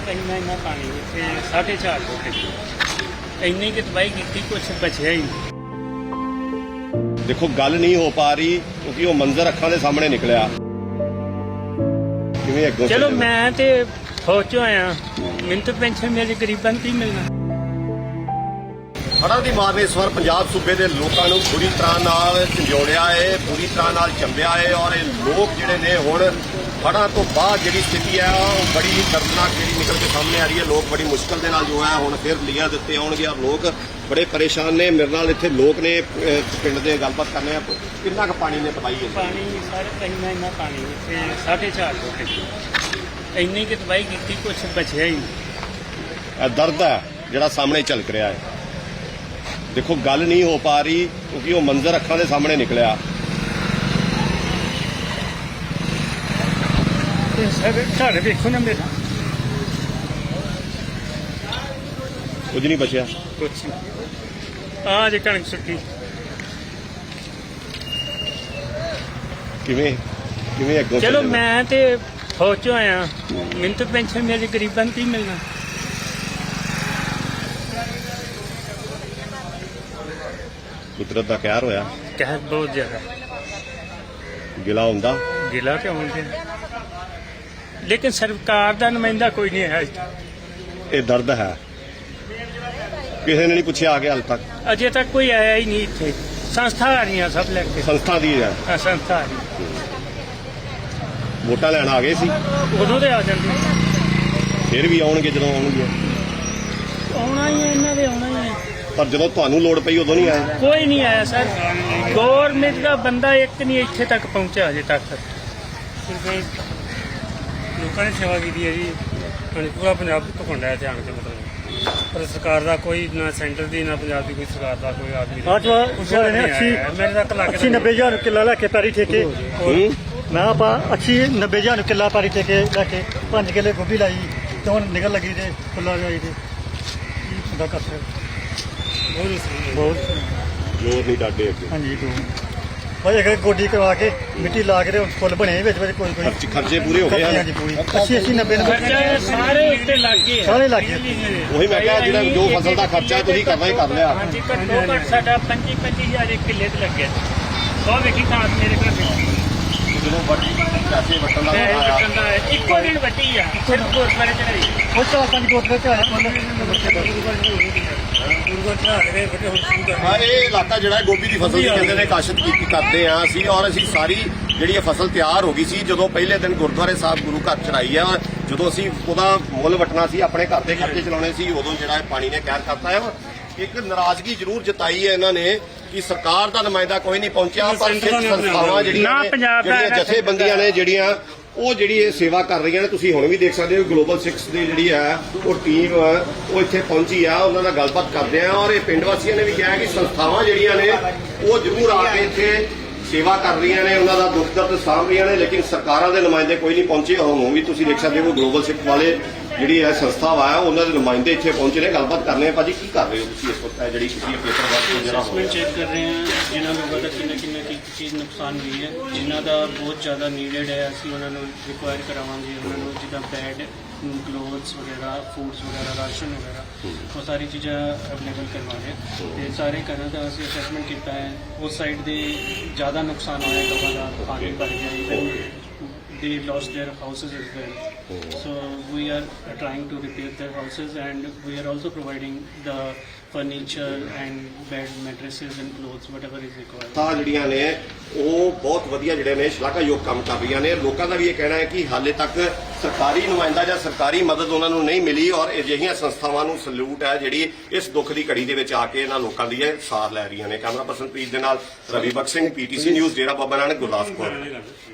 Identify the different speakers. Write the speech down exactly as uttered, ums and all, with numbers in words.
Speaker 1: ਇੰਨਾ ਇੰਨਾ ਪਾਣੀ ਇੱਥੇ ਸਾਢੇ ਚਾਰ ਫੁੱਟ ਇੰਨੀ ਕਿ ਤਬਾਹੀ ਕੀਤੀ, ਕੁਛ ਬਚਿਆ ਹੀ ਨਹੀਂ।
Speaker 2: ਦੇਖੋ ਗੱਲ ਨਹੀਂ ਹੋ ਪਾ ਰਹੀ ਕਿਉਂਕਿ ਉਹ ਮੰਜ਼ਰ ਅੱਖਾਂ ਦੇ ਸਾਹਮਣੇ ਨਿਕਲਿਆ। ਕਿਵੇਂ ਅੱਗੋਂ
Speaker 1: ਚਲੋ ਮੈਂ ਤੇ ਫੌਜ ਚੋਂ ਆਇਆ, ਮੈਨੂੰ ਤਾਂ ਪੈਨਸ਼ਨ ਮੇਰੇ ਗਰੀਬਾਂ ਨੂੰ ਕੀ ਮਿਲਣਾ।
Speaker 2: ਹੜ੍ਹਾਂ ਦੀ ਮਾਰ ਨੇ ਇਸ ਵਾਰ ਪੰਜਾਬ ਸੂਬੇ ਦੇ ਲੋਕਾਂ ਨੂੰ ਬੁਰੀ ਤਰ੍ਹਾਂ ਨਾਲ ਝੰਜੋੜਿਆ ਹੈ, ਬੁਰੀ ਤਰ੍ਹਾਂ ਨਾਲ ਚੰਬਿਆ ਹੈ ਔਰ ਇਹ ਲੋਕ ਜਿਹੜੇ ਨੇ ਹੁਣ ਹੜ੍ਹਾਂ ਤੋਂ ਬਾਅਦ ਜਿਹੜੀ ਸਥਿਤੀ ਹੈ ਉਹ ਬੜੀ ਹੀ ਦਰਦਨਾਕ ਜਿਹੜੀ ਨਿਕਲ ਕੇ ਸਾਹਮਣੇ ਆ ਰਹੀ ਹੈ। ਲੋਕ ਬੜੀ ਮੁਸ਼ਕਲ ਦੇ ਨਾਲ ਜੋ ਹੈ ਹੁਣ ਫਿਰ ਲੀਆਂ ਦਿੱਤੇ ਆਉਣਗੇ ਔਰ ਲੋਕ ਬੜੇ ਪਰੇਸ਼ਾਨ ਨੇ। ਮੇਰੇ ਨਾਲ ਇੱਥੇ ਲੋਕ ਨੇ, ਪਿੰਡ ਦੇ ਗੱਲਬਾਤ ਕਰਨੇ ਆ। ਕਿੰਨਾ ਕੁ ਪਾਣੀ ਨੇ ਤਬਾਹੀ ਹੈ?
Speaker 1: ਪਾਣੀ ਸਾਰੇ ਇੰਨਾ ਇੰਨਾ ਪਾਣੀ ਇੱਥੇ ਸਾਢੇ ਚਾਰ ਫੁੱਟ ਇੰਨੀ ਕਿ ਤਬਾਹੀ ਕੀਤੀ, ਕੁਛ ਬਚਿਆ ਹੀ ਨਹੀਂ।
Speaker 2: ਇਹ ਦਰਦ ਹੈ ਜਿਹੜਾ ਸਾਹਮਣੇ ਝਲਕ ਰਿਹਾ ਹੈ। ਦੇਖੋ ਗੱਲ ਨਹੀਂ ਹੋ ਪਾ ਰਹੀ ਕਿਉਂਕਿ ਉਹ ਮੰਜ਼ਰ ਅੱਖਾਂ ਦੇ ਸਾਹਮਣੇ ਨਿਕਲਿਆ।
Speaker 1: ਘਰ ਵੇਖੋ ਨਾ ਮੇਰਾ,
Speaker 2: ਕੁਝ ਨਹੀਂ ਬਚਿਆ।
Speaker 1: ਕੁਛ ਆ ਜੇ ਕਣਕ ਸੁੱਟੀ।
Speaker 2: ਕਿਵੇਂ ਕਿਵੇਂ ਅੱਗੋਂ
Speaker 1: ਚਲੋ
Speaker 2: ਚੱਲੇਗਾ?
Speaker 1: ਮੈਂ ਤੇ ਫੌਜ ਚੋਂ ਆਇਆ, ਮੈਨੂੰ ਤਾਂ ਪੈਨਸ਼ਨ ਮੇਰੇ ਗਰੀਬਾਂ ਨੂੰ ਕੀ ਮਿਲਣਾ।
Speaker 2: ਕੁਦਰਤ ਦਾ ਕਹਿਰ ਹੋਇਆ,
Speaker 1: ਕਹਿ ਬਹੁਤ ਜ਼ਿਆਦਾ
Speaker 2: ਗਿਲਾ ਹੁੰਦਾ।
Speaker 1: ਗਿਲਾ ਤੇ ਹੁੰਦੇ, ਲੇਕਿਨ ਸਰਕਾਰ ਦਾ ਨੁਮਾਇੰਦਾ ਕੋਈ ਨਹੀਂ ਹੈ।
Speaker 2: ਇਹ ਦਰਦ ਹੈ, ਕਿਸੇ ਨੇ ਨਹੀਂ ਪੁੱਛਿਆ ਆ ਕੇ ਹਾਲ ਤੱਕ।
Speaker 1: ਅਜੇ ਤੱਕ ਕੋਈ ਆਇਆ ਹੀ ਨਹੀਂ ਇੱਥੇ। ਸੰਸਥਾ ਆ ਰਹੀਆਂ ਸਭ ਲੈ ਕੇ,
Speaker 2: ਸੰਸਥਾ ਦੀ ਹੈ,
Speaker 1: ਆਹ ਸੰਸਥਾ ਆ ਰਹੀ।
Speaker 2: ਵੋਟਾਂ ਲੈਣ ਆ ਗਏ ਸੀ,
Speaker 1: ਉਦੋਂ ਦੇ ਆ ਜਾਂਦੇ,
Speaker 2: ਫਿਰ ਵੀ ਆਉਣਗੇ ਜਦੋਂ ਆਉਣਗੇ।
Speaker 1: ਆਉਣਾ ਹੀ ਹੈ ਇਹਨਾਂ ਦੇ, ਆਉਣਾ ਹੀ ਹੈ।
Speaker 2: ਪਰ ਜਦੋਂ ਤੁਹਾਨੂੰ ਲੋੜ ਪਈ ਉਦੋਂ ਨਹੀਂ ਆਏ।
Speaker 1: ਕੋਈ ਨਹੀਂ ਆਇਆ ਸਰ। ਗੌਰਮੈਂਟ ਦਾ ਬੰਦਾ ਇੱਕ ਨਹੀਂ ਇੱਥੇ ਤੱਕ ਪਹੁੰਚਿਆ ਅਜੇ ਤੱਕ।
Speaker 3: ਲੋਕਾਂ ਨੇ ਸੇਵਾ ਕੀਤੀ ਹੈ ਜੀ। ਹਾਂਜੀ, ਪੂਰਾ ਪੰਜਾਬ ਘੁੰਮਦਾ ਇੱਥੇ ਆਣ ਕੇ, ਮਤਲਬ ਪਰ ਸਰਕਾਰ ਦਾ ਕੋਈ ਨਾ, ਸੈਂਟਰ ਦੀ ਨਾ ਪੰਜਾਬ ਦੀ ਕੋਈ ਸਰਕਾਰ ਦਾ ਕੋਈ ਆਦਮੀ
Speaker 4: ਅੱਜ ਵਾਲੇ ਨੇ ਅੱਸੀ
Speaker 3: ਮੇਰੇ ਤੱਕ ਲੱਗ
Speaker 4: ਅੱਸੀ ਨੱਬੇ ਹਜ਼ਾਰ ਕਿੱਲਾ ਲੈ ਕੇ ਪੈਰੀ ਠੇਕੇ।
Speaker 2: ਹੂੰ?
Speaker 4: ਮੈਂ ਆਪਾਂ ਅੱਸੀ ਨੱਬੇ ਹਜ਼ਾਰ ਕਿੱਲਾ ਪੈਰੀ ਠੇਕੇ ਲੈ ਕੇ ਪੰਜ ਕਿੱਲੇ ਗੋਭੀ ਲਾਈ ਤੇ ਹੁਣ ਨਿਕਲ ਲੱਗੀ ਤੇ ਫੁੱਲਾਂ ਜਾਈ ਤੇ ਕੀ ਬੰਦਾ ਕਰ ਸਕਦਾ।
Speaker 3: ਬਹੁਤ ਸਹੀ
Speaker 4: ਬਹੁਤ
Speaker 2: ਜੋਰ ਨਹੀਂ ਡਾਡੇ ਅੱਗੇ।
Speaker 4: ਹਾਂਜੀ ਤੂੰ ਭਾਈ ਇੱਕ ਗੋਡੀ ਕਰਵਾ ਕੇ ਮਿੱਟੀ ਲਾ ਕੇ ਤੇ ਫੁੱਲ ਬਣੇ ਵਿੱਚ ਵਿੱਚ ਕੋਈ ਕੋਈ
Speaker 2: ਖਰਚ ਖਰਚੇ ਪੂਰੇ ਹੋ ਗਏ ਹਨ।
Speaker 4: ਹਾਂਜੀ ਪੂਰੀ ਅੱਸੀ ਅੱਸੀ ਨੱਬੇ ਨੱਬੇ
Speaker 1: ਖਰਚਾ ਸਾਰੇ ਉੱਤੇ ਲੱਗ ਗਏ,
Speaker 4: ਸਾਰੇ ਲੱਗ ਗਏ।
Speaker 2: ਉਹੀ ਮੈਂ ਕਿਹਾ ਜਿਹੜਾ ਜੋ ਫਸਲ ਦਾ ਖਰਚਾ ਹੈ ਤੁਸੀਂ ਕਰਨਾ ਹੀ ਕਰ ਲਿਆ।
Speaker 1: ਹਾਂਜੀ, ਘੱਟੋ ਘੱਟ ਸਾਡਾ ਪੰਜੀ ਪੰਜੀ ਹਜ਼ਾਰ ਇੱਕ ਕਿੱਲੇ ਤੇ ਲੱਗਿਆ। ਸੌ ਵੇਖੀ ਖਾਸ ਮੇਰੇ ਘਰ
Speaker 2: ਜਦੋਂ ਵੱਡੀ ਪੈਸੇ ਵਟਣ ਦਾ
Speaker 1: ਪੈਸੇ
Speaker 2: ਆਇਆ,
Speaker 1: ਵੱਟਣ ਦਾ ਇੱਕੋ ਦਿਨ ਵੱਟੀ ਆ, ਸਿਰਫ ਗੁਰਦੁਆਰੇ ਚ ਰਹੀ।
Speaker 4: ਉਹ ਚਾਰ ਪੰਜ ਗੋਤਰੇ ਤੇ ਆਏ ਫੁੱਲ।
Speaker 3: ਗੁਰੂਗੜ ਚੜਾ ਕੇ ਵੱਡੇ ਹੁਣ ਸ਼ੁਰੂ ਕਰ
Speaker 2: ਹਾਂ, ਇਹ ਇਲਾਕਾ ਜਿਹੜਾ ਹੈ ਗੋਭੀ ਦੀ ਫਸਲ ਦੀ ਕਹਿੰਦੇ ਨੇ ਕਾਸ਼ਤ ਕੀਤੀ ਕਰਦੇ ਆ ਅਸੀਂ, ਔਰ ਅਸੀਂ ਸਾਰੀ ਜਿਹੜੀ ਇਹ ਫਸਲ ਤਿਆਰ ਹੋ ਗਈ ਸੀ ਜਦੋਂ ਪਹਿਲੇ ਦਿਨ ਗੁਰਦੁਆਰੇ ਸਾਹਿਬ ਗੁਰੂ ਘਰ ਚੜਾਈ ਆ। ਜਦੋਂ ਅਸੀਂ ਉਹਦਾ ਮੁੱਲ ਵਟਣਾ ਸੀ, ਆਪਣੇ ਘਰ ਦੇ ਖਰਚੇ ਚਲਾਉਣੇ ਸੀ, ਉਦੋਂ ਜਿਹੜਾ ਇਹ ਪਾਣੀ ਨੇ ਕਹਿਰ ਕਰਤਾ ਹੈ। ਇੱਕ ਨਾਰਾਜ਼ਗੀ ਜ਼ਰੂਰ ਜਤਾਈ ਹੈ ਇਹਨਾਂ ਨੇ ਕਿ ਸਰਕਾਰ ਦਾ ਨੁਮਾਇੰਦਾ ਕੋਈ ਨਹੀਂ ਪਹੁੰਚਿਆ, ਪਰ ਸਿੱਖ ਸੰਸਥਾਵਾਂ ਜਿਹੜੀਆਂ
Speaker 1: ਨਾ
Speaker 2: ਨੇ,
Speaker 1: ਪੰਜਾਬ ਦਾ
Speaker 2: ਜਿਹੜੀਆਂ ਜਥੇਬੰਦੀਆਂ ਨੇ ਜਿਹੜੀਆਂ ਉਹ ਜਿਹੜੀ ਇਹ ਸੇਵਾ ਕਰ ਰਹੀਆਂ ਨੇ। ਤੁਸੀਂ ਹੁਣ ਵੀ ਦੇਖ ਸਕਦੇ ਹੋ ਗਲੋਬਲ ਸਿਕਸ ਦੀ ਜਿਹੜੀ ਹੈ ਉਹ ਟੀਮ ਉਹ ਇੱਥੇ ਪਹੁੰਚੀ ਆ, ਉਹਨਾਂ ਨਾਲ ਗੱਲਬਾਤ ਕਰਦੇ ਆ। ਔਰ ਇਹ ਪਿੰਡ ਵਾਸੀਆਂ ਨੇ ਵੀ ਕਿਹਾ ਕਿ ਸੰਸਥਾਵਾਂ ਜਿਹੜੀਆਂ ਨੇ ਉਹ ਜ਼ਰੂਰ ਆ ਕੇ ਇੱਥੇ ਸੇਵਾ ਕਰ ਰਹੀਆਂ ਨੇ, ਉਹਨਾਂ ਦਾ ਦੁੱਖ ਦਰਦ ਸਾਂਭ ਰਹੀਆਂ ਨੇ, ਲੇਕਿਨ ਸਰਕਾਰਾਂ ਦੇ ਨੁਮਾਇੰਦੇ ਕੋਈ ਨਹੀਂ ਪਹੁੰਚੇ। ਹੁਣ ਵੀ ਤੁਸੀਂ ਦੇਖ ਸਕਦੇ ਹੋ ਗਲੋਬਲ ਸਿੱਖ ਵਾਲੇ ਜਿਹੜੀ ਹੈ ਸੰਸਥਾ ਵਾ ਉਹਨਾਂ ਦੇ ਨੁਮਾਇੰਦੇ ਇੱਥੇ ਪਹੁੰਚੇ ਨੇ। ਗੱਲਬਾਤ ਕਰਨੇ ਆ। ਭਾਜੀ ਕੀ ਕਰ ਰਹੇ ਹੋ ਤੁਸੀਂ ਇਸ ਵਕਤ? ਜਿਹੜੀ ਤੁਸੀਂ ਪੇਪਰ ਵਰਕ ਜਿਹੜਾ ਹੋ ਰਿਹਾ
Speaker 5: ਚੈੱਕ ਕਰ ਰਹੇ ਹਾਂ ਜਿਨ੍ਹਾਂ ਲੋਕਾਂ ਦਾ ਕਿੰਨਾ ਕਿੰਨਾ ਕੀ ਚੀਜ਼ ਨੁਕਸਾਨ ਹੋਈ ਹੈ, ਜਿਨ੍ਹਾਂ ਦਾ ਬਹੁਤ ਜ਼ਿਆਦਾ ਨੀਡਡ ਹੈ ਅਸੀਂ ਉਹਨਾਂ ਨੂੰ ਰਿਕੁਆਇਰ ਕਰਾਵਾਂਗੇ। ਉਹਨਾਂ ਨੂੰ ਜਿੱਦਾਂ ਬੈਡ, ਕਲੋਥਸ ਵਗੈਰਾ, ਫੂਡਸ ਵਗੈਰਾ, ਰਾਸ਼ਨ ਵਗੈਰਾ, ਉਹ ਸਾਰੀ ਚੀਜ਼ਾਂ ਅਵੇਲੇਬਲ ਕਰਵਾ ਰਹੇ ਹਾਂ। ਤੇ ਸਾਰੇ ਘਰਾਂ ਦਾ ਅਸੀਂ ਅਸੈਸਮੈਂਟ ਕੀਤਾ ਹੈ। ਉਸ ਸਾਈਡ ਦੇ ਜ਼ਿਆਦਾ ਨੁਕਸਾਨ ਹੋਇਆ, ਲੋਕਾਂ ਦਾ ਪਾਣੀ ਭਰ ਗਿਆ, even they lost their houses as well. So we are trying to repair their houses, and we are also providing the furniture and bed, mattresses and clothes, whatever is required.
Speaker 2: ਤਾਂ ਜਿਹੜੀਆਂ ਨੇ ਉਹ ਬਹੁਤ ਵਧੀਆ ਜਿਹੜੇ ਨੇ ਸ਼ਲਾਘਾਯੋਗ ਕੰਮ ਕਰ ਰਹੀਆਂ ਨੇ। ਲੋਕਾਂ ਦਾ ਵੀ ਇਹ ਕਹਿਣਾ ਹੈ ਕਿ ਹਾਲੇ ਤੱਕ ਸਰਕਾਰੀ ਨੁਮਾਇੰਦਾ ਜਾਂ ਸਰਕਾਰੀ ਮਦਦ ਉਹਨਾਂ ਨੂੰ ਨਹੀਂ ਮਿਲੀ, ਔਰ ਅਜਿਹੀਆਂ ਸੰਸਥਾਵਾਂ ਨੂੰ ਸਲੂਟ ਹੈ ਜਿਹੜੀ ਇਸ ਦੁੱਖ ਦੀ ਘੜੀ ਦੇ ਵਿੱਚ ਆ ਕੇ ਇਹਨਾਂ ਲੋਕਾਂ ਦੀ ਇਹ ਸਾਥ ਲੈ ਰਹੀਆਂ ਨੇ। ਕੈਮਰਾ ਪਰਸਨ ਪ੍ਰੀਤ ਦੇ ਨਾਲ ਰਵੀ ਬਖਸ਼ ਸਿੰਘ, ਪੀਟੀਸੀ ਨਿਊਜ਼, ਡੇਰਾ ਬਾਬਾ ਨਾਨਕ, ਗੁਰਦਾਸਪੁਰ।